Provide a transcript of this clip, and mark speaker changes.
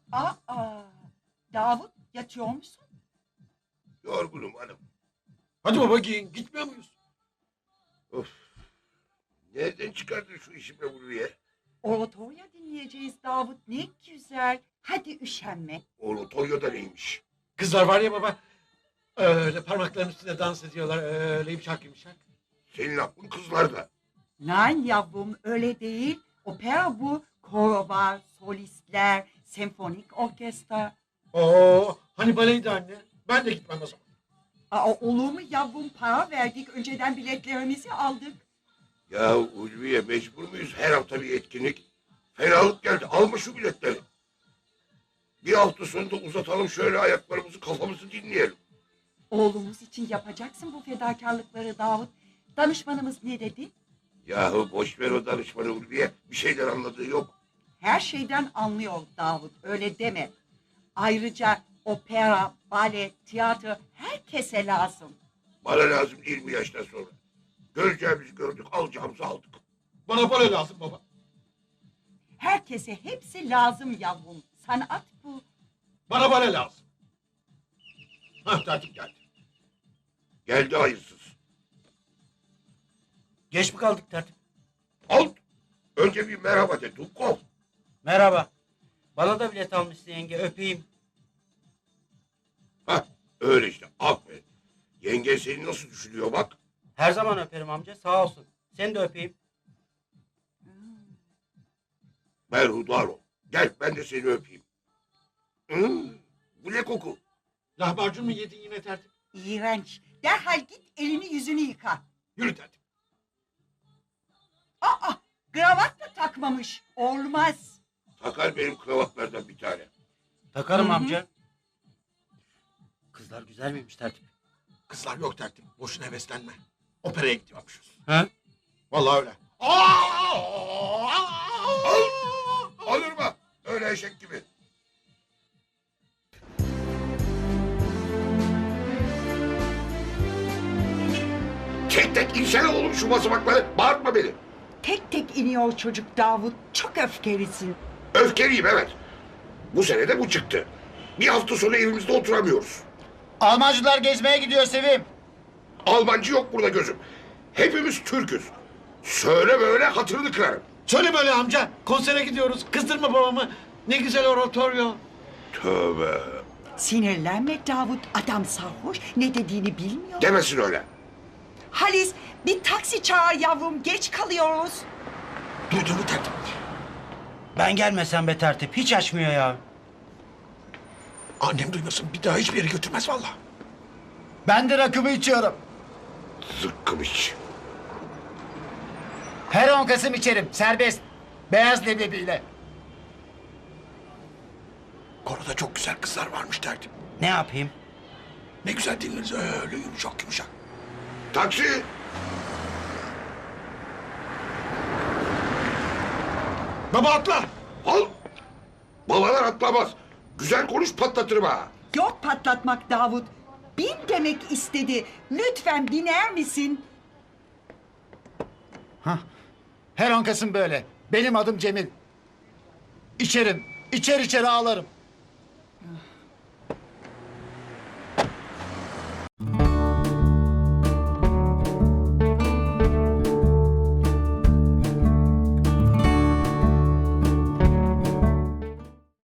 Speaker 1: Aa, Davut yatıyor musun?
Speaker 2: Yorgunum hanım.
Speaker 3: Hadi baba giyin. Gitmiyor muyuz?
Speaker 2: Of. Nereden çıkardın şu işi be buraya?
Speaker 1: Oratorio dinleyeceğiz Davut. Ne güzel. Hadi üşenme.
Speaker 2: Oratorio neymiş?
Speaker 3: Kızlar var ya baba. Öyle parmaklarının üstünde dans ediyorlar. Öyle yumuşak yumuşak.
Speaker 2: Senin aklın kızlarda.
Speaker 1: Nein yavrum öyle değil. Opera bu. Koro var, solistler, senfonik orkestra.
Speaker 3: Hani baleydi anne. Ben de gitmem o zaman.
Speaker 1: Olur mu yavrum, para verdik. Önceden biletlerimizi aldık.
Speaker 2: Ya Ulviye, mecbur muyuz her hafta bir etkinlik? Fenalık geldi. Alma şu biletleri. Bir hafta sonunda uzatalım şöyle ayaklarımızı, kafamızı dinleyelim.
Speaker 1: Oğlumuz için yapacaksın bu fedakarlıkları Davut. Danışmanımız ne dedi?
Speaker 2: Yahu boş ver o danışmanı Ulviye. Bir şeyler anladığı yok.
Speaker 1: Her şeyden anlıyor Davut, öyle deme. Ayrıca opera, bale, tiyatro herkese lazım.
Speaker 2: Bana lazım 20 yaştan sonra. Göreceğimizi gördük, alacağımızı aldık.
Speaker 3: Bana bale lazım baba.
Speaker 1: Herkese hepsi lazım yavrum. Sanat bu.
Speaker 3: Bana bale lazım. Hah tertip geldi.
Speaker 2: Geldi hayırsız.
Speaker 4: Geç mi kaldık tertip?
Speaker 2: Al. Önce bir merhaba de Dukov.
Speaker 4: Merhaba. Bana da bilet almışsın yenge, öpeyim.
Speaker 2: Hah öyle işte, aferin. Yengen seni nasıl düşünüyor bak.
Speaker 4: Her zaman öperim amca, sağ olsun. Seni de öpeyim.
Speaker 2: Berhudar ol. Gel ben de seni öpeyim. Bu ne koku?
Speaker 3: Lahmacun mu yedin yine tertip?
Speaker 1: İğrenç. Derhal git elini yüzünü yıka.
Speaker 3: Yürü tertip.
Speaker 1: Kravat da takmamış. Olmaz.
Speaker 2: Takar benim kravatlardan bir tane.
Speaker 4: Takarım
Speaker 1: Hı hı.
Speaker 4: amca. Kızlar güzel miymiş tertip?
Speaker 3: Kızlar yok tertip. Boşuna heveslenme. Operaya gidiyormuşuz.
Speaker 4: He?
Speaker 3: Vallahi öyle.
Speaker 2: Olur mu? Öyle eşek gibi. Tek tek insene oğlum şu basamakları. Bağırtma beni.
Speaker 1: Tek tek iniyor çocuk Davut. Çok öfkelisin.
Speaker 2: Öfkeliyim evet. Bu sene de bu çıktı. Bir hafta sonra evimizde oturamıyoruz.
Speaker 5: Almancılar gezmeye gidiyor Sevim.
Speaker 2: Almancı yok burada gözüm. Hepimiz Türk'üz. Söyle böyle hatırını kırarım.
Speaker 3: Söyle böyle amca. Konsere gidiyoruz. Kızdırma babamı. Ne güzel oratorio.
Speaker 2: Tövbe.
Speaker 1: Sinirlenme Davut. Adam sarhoş. Ne dediğini bilmiyor.
Speaker 2: Demesin öyle.
Speaker 1: Halis bir taksi çağır yavrum. Geç kalıyoruz.
Speaker 3: Duydun mu tertip?
Speaker 4: Ben gelmesem be tertip, hiç açmıyor ya.
Speaker 3: Annem duymasın. Bir daha hiçbir yere götürmez vallahi.
Speaker 5: Ben de rakımı içiyorum.
Speaker 2: Zıkkım iç.
Speaker 5: Her 10 Kasım içerim. Serbest. Beyaz leblebiyle.
Speaker 3: Koroda çok güzel kızlar varmış tertip.
Speaker 4: Ne yapayım?
Speaker 3: Ne güzel dinleriz öyle yumuşak yumuşak.
Speaker 2: Taksi.
Speaker 3: Baba atla.
Speaker 2: Al. Babalar atlamaz. Güzel konuş patlatırım ha.
Speaker 1: Yok patlatmak Davut. Bin demek istedi. Lütfen biner misin?
Speaker 5: Her 10 Kasım böyle. Benim adım Cemil. İçerim. İçer içer ağlarım.